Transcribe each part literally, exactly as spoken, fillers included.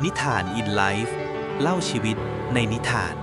นิทาน in life เล่าชีวิตในนิทาน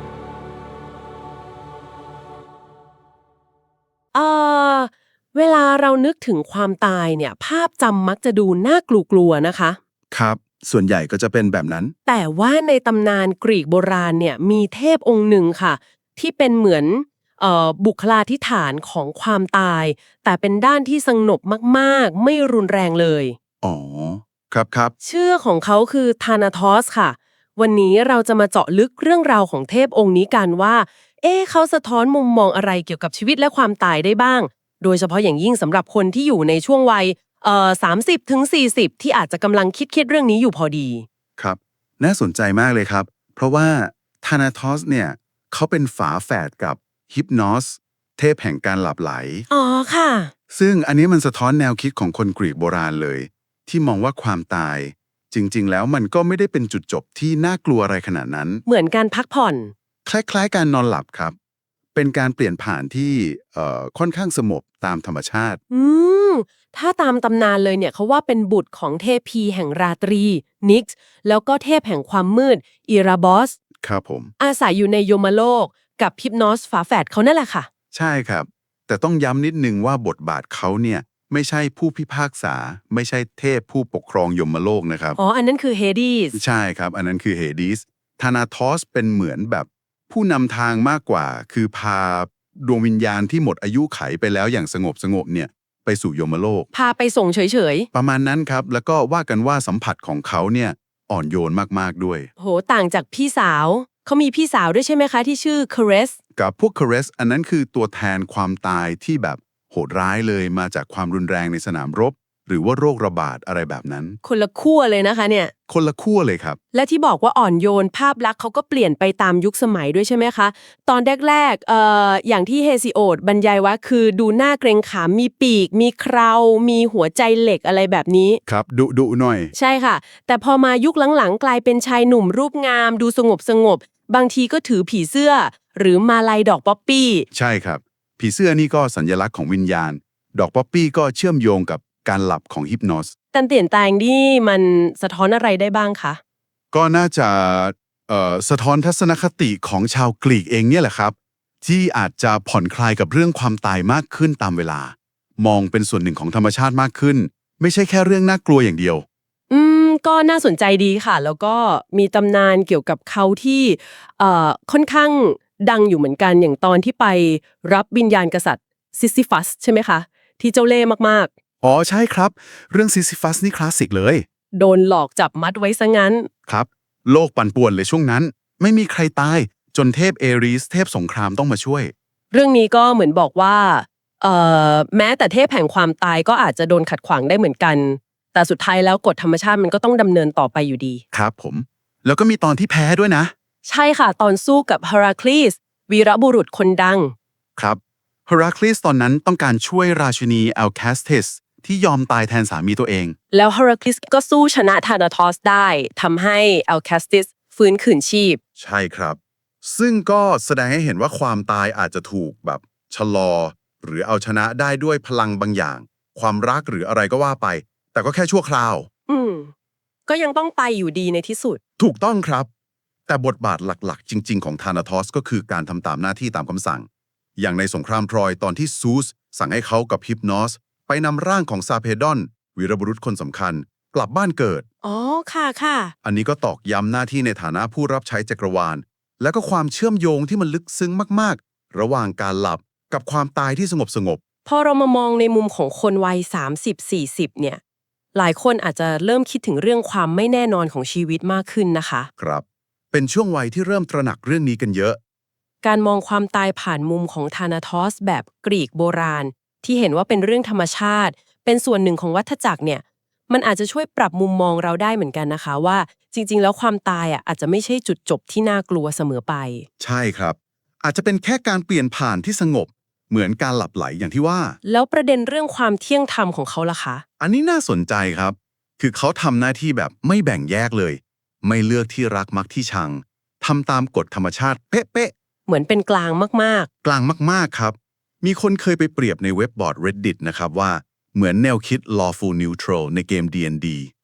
เอ่อเวลาเรานึกถึงความตายเนี่ยภาพจำมักจะดูน่ากลัวๆนะคะครับส่วนใหญ่ก็จะเป็นแบบนั้นแต่ว่าในตำนานกรีกโบราณเนี่ยมีเทพองค์หนึ่งค่ะที่เป็นเหมือนเอ่อบุคลาธิฐานของความตายแต่เป็นด้านที่สงบมากๆไม่รุนแรงเลยอ๋อครับครับชื่อของเขาคือธานาทอสค่ะวันนี้เราจะมาเจาะลึกเรื่องราวของเทพองค์นี้กันว่าเอ๊ะเขาสะท้อนมุมมองอะไรเกี่ยวกับชีวิตและความตายได้บ้างโดยเฉพาะอย่างยิ่งสำหรับคนที่อยู่ในช่วงวัยเอ่อสามสิบถึงสี่สิบที่อาจจะกำลังคิดคิดเรื่องนี้อยู่พอดีครับน่าสนใจมากเลยครับเพราะว่าธานาทอสเนี่ยเขาเป็นฝาแฝดกับฮิปนอสเทพแห่งการหลับไหลอ๋อค่ะซึ่งอันนี้มันสะท้อนแนวคิดของคนกรีกโบราณเลยที่มองว่าความตายจริงๆแล้วมันก็ไม่ได้เป็นจุดจบที่น่ากลัวอะไรขนาดนั้นเหมือนการพักผ่อนคล้ายๆการนอนหลับครับเป็นการเปลี่ยนผ่านที่เอ่อค่อนข้างสงบตามธรรมชาติอืมถ้าตามตำนานเลยเนี่ยเขาว่าเป็นบุตรของเทพีแห่งราตรีนิกซ์แล้วก็เทพแห่งความมืดอิราบอสครับผมอาศัยอยู่ในโยมโลกกับฮิปนอสฝาแฝดเขานั่นแหละค่ะใช่ครับแต่ต้องย้ำนิดนึงว่าบทบาทเขาเนี่ยไม่ใช่ผู้พิพากษาไม่ใช่เทพผู้ปกครองยมโลกนะครับอ๋ออันนั้นคือเฮดีสใช่ครับอันนั้นคือเฮดิสธานาทอสเป็นเหมือนแบบผู้นำทางมากกว่าคือพาดวงวิญญาณที่หมดอายุไขไปแล้วอย่างสงบสงบเนี่ยไปสู่ยมโลกพาไปส่งเฉยประมาณนั้นครับแล้วก็ว่ากันว่าสัมผัสของเขาเนี่ยอ่อนโยนมากๆด้วยๆโหต่างจากพี่สาวเขามีพี่สาวด้วยใช่ไหมคะที่ชื่อเคเรสกับพวกคาเรสอันนั้นคือตัวแทนความตายที่แบบโหดร้ายเลยมาจากความรุนแรงในสนามรบหรือว่าโรคระบาดอะไรแบบนั้นคนละขั้วเลยนะคะเนี่ยคนละขั้วเลยครับและที่บอกว่าอ่อนโยนภาพลักษณ์เขาก็เปลี่ยนไปตามยุคสมัยด้วยใช่ไหมคะตอนแรกๆเอ่ออย่างที่เฮซิโอดบรรยายว่าคือดูหน้าเกรงขามมีปีกมีเครามีหัวใจเหล็กอะไรแบบนี้ครับดุดุหน่อยใช่ค่ะแต่พอมายุคหลังๆกลายเป็นชายหนุ่มรูปงามดูสงบสงบบางทีก็ถือผีเสื้อหรือมาลัยดอกป๊อปปี้ใช่ครับผีเสื้อนี่ก็สัญลักษณ์ของวิญญาณดอกป๊อปปี้ก็เชื่อมโยงกับการหลับของฮิปโนสการเปลี่ยนแปลงนี่มันสะท้อนอะไรได้บ้างคะก็น่าจะเอ่อสะท้อนทัศนคติของชาวกรีกเองเนี่ยแหละครับที่อาจจะผ่อนคลายกับเรื่องความตายมากขึ้นตามเวลามองเป็นส่วนหนึ่งของธรรมชาติมากขึ้นไม่ใช่แค่เรื่องน่ากลัวอย่างเดียวอืมก็น่าสนใจดีค่ะแล้วก็มีตำนานเกี่ยวกับเขาที่เอ่อค่อนข้างดังอยู่เหมือนกันอย่างตอนที่ไปรับวิญญาณกษัตริย์ซิสซิฟัสใช่ไหมคะที่เจ้าเล่ห์มากอ๋อใช่ครับเรื่องซิซิฟัสนี่คลาสสิกเลยๆโดนหลอกจับมัดไว้ซะงั้นครับโลกปั่นป่วนเลยช่วงนั้นไม่มีใครตายจนเทพเอริสเทพสงครามต้องมาช่วยเรื่องนี้ก็เหมือนบอกว่าเอ่อแม้แต่เทพแห่งความตายก็อาจจะโดนขัดขวางได้เหมือนกันแต่สุดท้ายแล้วกฎธรรมชาติมันก็ต้องดำเนินต่อไปอยู่ดีครับผมแล้วก็มีตอนที่แพ้ด้วยนะใช่ค่ะตอนสู้กับเฮราคลีสวีรบุรุษคนดังครับเฮราคลีสตอนนั้นต้องการช่วยราชินีแอลแคสเทสที่ยอมตายแทนสามีตัวเองแล้วเฮราคลิสก็สู้ชนะธานาทอสได้ทำให้แอลคาสติสฟื้นคืนชีพใช่ครับซึ่งก็แสดงให้เห็นว่าความตายอาจจะถูกแบบชะลอหรือเอาชนะได้ด้วยพลังบางอย่างความรักหรืออะไรก็ว่าไปแต่ก็แค่ชั่วคราวอืมก็ยังต้องไปอยู่ดีในที่สุดถูกต้องครับแต่บทบาทหลักๆจริงๆของธานาทอสก็คือการทำตามหน้าที่ตามคำสั่งอย่างในสงครามทรอยตอนที่ซูสสั่งให้เขากับฮิปนอสไปนำร่างของซาเพดอนวีรบุรุษคนสำคัญกลับบ้านเกิดอ๋อค่ะค่ะอันนี้ก็ตอกย้ำหน้าที่ในฐานะผู้รับใช้จักรวาลและก็ความเชื่อมโยงที่มันลึกซึ้งมากๆระหว่างการหลับกับความตายที่สงบสงบพอเรามามองในมุมของคนวัยสามสิบ สี่สิบเนี่ยหลายคนอาจจะเริ่มคิดถึงเรื่องความไม่แน่นอนของชีวิตมากขึ้นนะคะครับเป็นช่วงวัยที่เริ่มตระหนักเรื่องนี้กันเยอะการมองความตายผ่านมุมของธานาทอสแบบกรีกโบราณที่เห็นว่าเป็นเรื่องธรรมชาติเป็นส่วนหนึ่งของวัฏจักรเนี่ยมันอาจจะช่วยปรับมุมมองเราได้เหมือนกันนะคะว่าจริงๆแล้วความตายอ่ะอาจจะไม่ใช่จุดจบที่น่ากลัวเสมอไปใช่ครับอาจจะเป็นแค่การเปลี่ยนผ่านที่สงบเหมือนการหลับไหลอย่างที่ว่าแล้วประเด็นเรื่องความเที่ยงธรรมของเขาล่ะคะอันนี้น่าสนใจครับ คือเขาทำหน้าที่แบบไม่แบ่งแยกเลย ไม่เลือกที่รักมักที่ชัง ทำตามกฎธรรมชาติเป๊ะเหมือนเป็นกลางมากๆ กลางมากๆครับ มีคนเคยไปเปรียบในเว็บบอร์ด Reddit นะครับว่าเหมือนแนวคิด lawful neutral ในเกม ดี แอนด์ ดี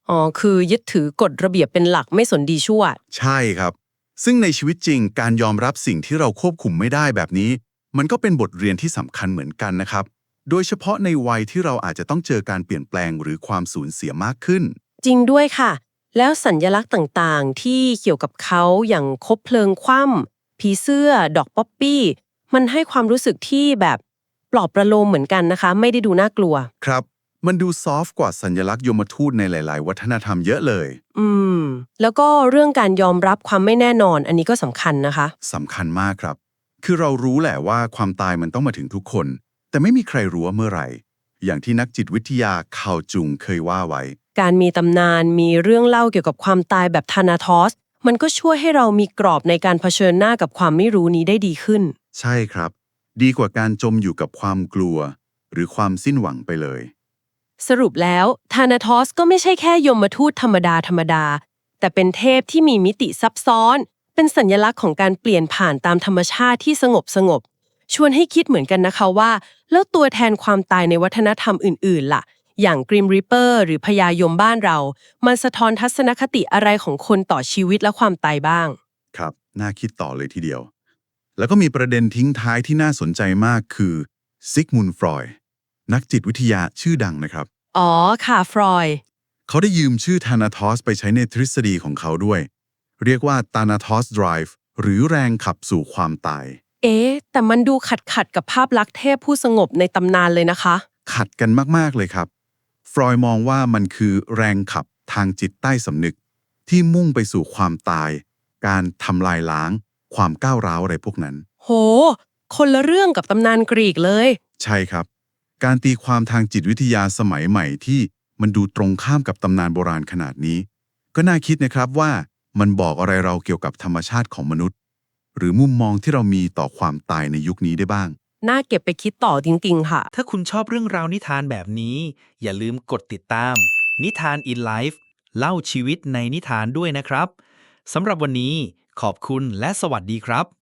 อ๋อคือยึดถือกฎระเบียบเป็นหลักไม่สนดีชั่วใช่ครับ ซึ่งในชีวิตจริงการยอมรับสิ่งที่เราควบคุมไม่ได้แบบนี้ มันก็เป็นบทเรียนที่สำคัญเหมือนกันนะครับ โดยเฉพาะในวัยที่เราอาจจะต้องเจอการเปลี่ยนแปลงหรือความสูญเสียมากขึ้นจริงด้วยค่ะ แล้วสัญลักษณ์ต่างๆ ที่เกี่ยวกับเขาอย่างคบเพลิงคว่ำผีเสื้อ ดอกป๊อปปี้ มันให้ความรู้สึกที่แบบปลอบประโลมเหมือนกันนะคะ ไม่ได้ดูน่ากลัวครับ มันดูซอฟต์กว่าสัญลักษณ์ยมทูตในหลาย ๆ วัฒนธรรมเยอะเลยอืม แล้วก็เรื่องการยอมรับความไม่แน่นอน อันนี้ก็สำคัญนะคะสำคัญมากครับ คือเรารู้แหละว่าความตายมันต้องมาถึงทุกคน แต่ไม่มีใครรู้ว่าเมื่อไหร่ อย่างที่นักจิตวิทยาคาวจุงเคยว่าไว้การมีตำนานมีเรื่องเล่าเกี่ยวกับความตายแบบธานาทอส มันก็ช่วยให้เรามีกรอบในการเผชิญหน้ากับความไม่รู้นี้ได้ดีขึ้นใช่ครับ ดีกว่าการจมอยู่กับความกลัว หรือความสิ้นหวังไปเลยสรุปแล้วธานาทอสก็ไม่ใช่แค่ยมทูตธรรมดาธรรมดา แต่เป็นเทพที่มีมิติซับซ้อน เป็นสัญลักษณ์ของการเปลี่ยนผ่านตามธรรมชาติที่สงบสงบ ชวนให้คิดเหมือนกันนะคะว่า แล้วตัวแทนความตายในวัฒนธรรมอื่นๆล่ะ อย่างกริมริปเปอร์หรือพญายมบ้านเรา มันสะท้อนทัศนคติอะไรของคนต่อชีวิตและความตายบ้างครับ น่าคิดต่อเลยทีเดียว แล้วก็มีประเด็นทิ้งท้ายที่น่าสนใจมากคือซิกมุนด์ฟรอยด์นักจิตวิทยาชื่อดังนะครับอ๋อค่ะฟรอยด์เขาได้ยืมชื่อธานาทอสไปใช้ในทฤษฎีของเขาด้วย เรียกว่าธานาทอสไดรฟ์หรือแรงขับสู่ความตายเอ๊ะแต่มันดูขัดขัดๆกับภาพลักษณ์เทพผู้สงบในตำนานเลยนะคะขัดกันมาก ๆ เลยครับ ฟรอยด์มองว่ามันคือแรงขับทางจิตใต้สำนึก ที่มุ่งไปสู่ความตาย การทำลายล้าง ความก้าวร้าวอะไรพวกนั้นโห คนละเรื่องกับตำนานกรีกเลยใช่ครับ การตีความทางจิตวิทยาสมัยใหม่ที่มันดูตรงข้ามกับตำนานโบราณขนาดนี้ ก็น่าคิดนะครับว่ามันบอกอะไรเราเกี่ยวกับธรรมชาติของมนุษย์ หรือมุมมองที่เรามีต่อความตายในยุคนี้ได้บ้างน่าเก็บไปคิดต่อจริงๆค่ะถ้าคุณชอบเรื่องราวนิทานแบบนี้ อย่าลืมกดติดตาม นิทาน in Life เล่าชีวิตในนิทานด้วยนะครับ สำหรับวันนี้ขอบคุณและสวัสดีครับ